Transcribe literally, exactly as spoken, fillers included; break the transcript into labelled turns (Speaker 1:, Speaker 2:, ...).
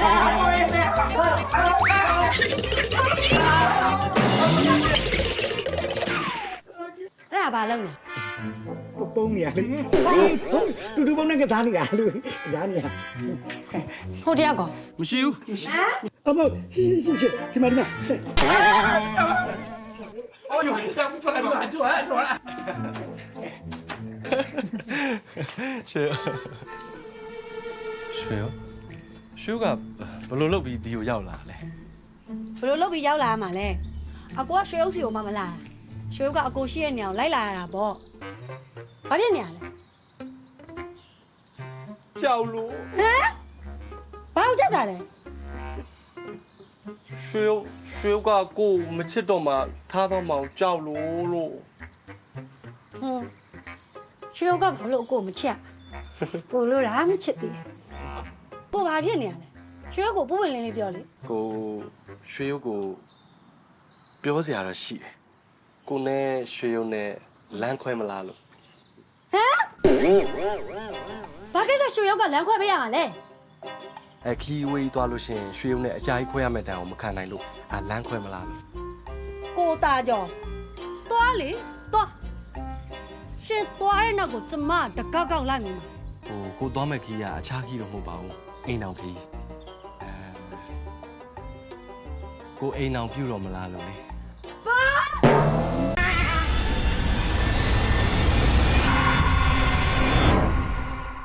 Speaker 1: အဲ့ဒါဘာလုပ်လဲ
Speaker 2: ပုံနေရလေတူတူပုံနဲ့ကစားနေတာလူကစားနေတာ
Speaker 1: ဟိုတယောက်က
Speaker 3: မရှိဘူး
Speaker 2: အမရှိရှိရှိဒီမှာဒီမှာ
Speaker 3: အော်ထွက်ထွက်ထွက်ထွက်ထွက်ရှေ့ရှေ့ရှူကဘယ်လိုလုပ်ပြီးဒီကိုရောက်လာလဲ
Speaker 1: ဘယ်လိုလုပ်ပြီးရောက်လာရမှာလဲအကိုကရွှေဥစီကိုမှမလာရွှေဥကအကိုရှိရဲ့နေအောင်လိုက်လာရတာပေါ့ဘာဖြစ်နေရလဲ
Speaker 3: ကြောက်လို့
Speaker 1: ဟမ်ဘာလို့ကြောက်တာလဲ
Speaker 3: ရွှေရွှေကကိုမချစ်တော့မှထားတော့မှကြောက်လို့လို့
Speaker 1: ဟွန်းရွှေဥကဘာလို့အကိုမချစ်ကိုလို့လားမချစ်သေးကိုဘာဖြစ်နေရလဲရွှေဥကိုပူပင်လင်းလေးပြောလေ
Speaker 3: ကိုရွှေကိုပြောစရာတော့ရှိတယ်ကိုနဲ့ရွှေရုံနဲ့လမ်းခွဲမလားလို့
Speaker 1: ဟမ်ဘာကိစ္စရွှေဥကလမ်းခွဲပေးရမှာလဲ
Speaker 3: အခီးဝေးသွားလို့ရှိရင်ရွှေရုံနဲ့အကြာကြီးခွဲရမယ့်တိုင်အောင်မခံနိုင်လို့အာလမ်းခွဲမလားလို့
Speaker 1: ကိုတာကြောသွားလေသွားရှင်သွားတဲ့နောက်ကိုကျမတကောက်ကောက်လိုက်နေမှာ
Speaker 3: ဟိုကိုသွားမဲ့ခီးကအခြားခီးတော့မဟုတ်ပါဘူးအိမ်အောင်ခီးအဲကိုအိမ်အောင်ပြုတ်တော့မလားလို့လေ